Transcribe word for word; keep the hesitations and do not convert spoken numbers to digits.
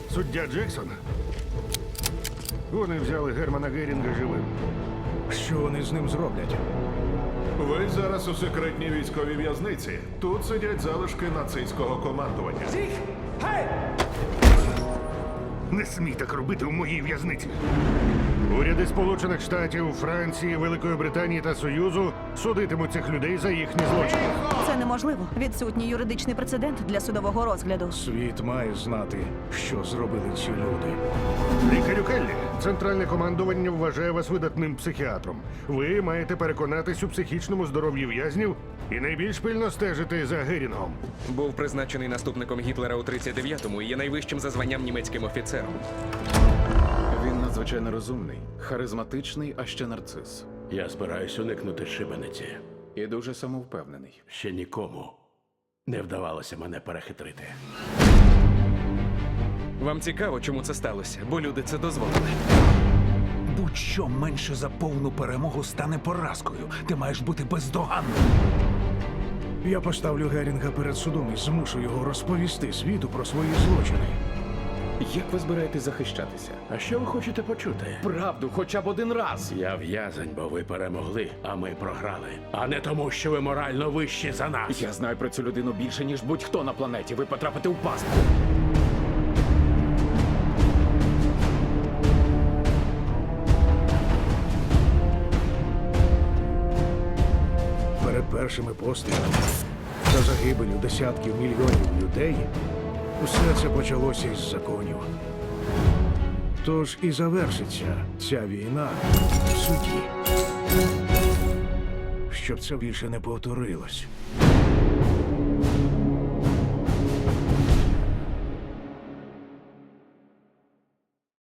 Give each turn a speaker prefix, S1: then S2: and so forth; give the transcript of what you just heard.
S1: Суддя Джексон. Вони взяли Германа Герінга живим.
S2: Що вони з ним зроблять?
S3: Ви зараз у секретній військовій в'язниці. Тут сидять залишки нацистського командування.
S1: Не смій так робити у моїй в'язниці. Уряди Сполучених Штатів, Франції, Великої Британії та Союзу судитимуть цих людей за їхні злочини.
S4: Це неможливо. Відсутній юридичний прецедент для судового розгляду.
S2: Світ має знати, що зробили ці люди.
S1: Лікарю Келлі, центральне командування вважає вас видатним психіатром. Ви маєте переконатись у психічному здоров'ї в'язнів і найбільш пильно стежити за Герінгом.
S5: Був призначений наступником Гітлера у тридцять дев'ятому і є найвищим за званням німецьким офіцером.
S6: Він надзвичайно розумний, харизматичний, а ще нарцис.
S7: Я збираюсь уникнути шибениці.
S6: І дуже самовпевнений.
S7: Ще нікому не вдавалося мене перехитрити.
S5: Вам цікаво, чому це сталося? Бо люди це дозволили.
S2: Будь-що менше за повну перемогу стане поразкою. Ти маєш бути бездоганним. Я поставлю Герінга перед судом і змушу його розповісти світу про свої злочини.
S6: Як ви збираєтесь захищатися?
S7: А що ви хочете почути?
S6: Правду, хоча б один раз.
S7: Я в'язень, бо ви перемогли, а ми програли. А не тому, що ви морально вищі за нас.
S6: Я знаю про цю людину більше, ніж будь-хто на планеті. Ви потрапите у пастку.
S2: Перед першими пострілами та загибелю десятків мільйонів людей усе це почалося із законів. Тож і завершиться ця війна в суді. Щоб це більше не повторилось.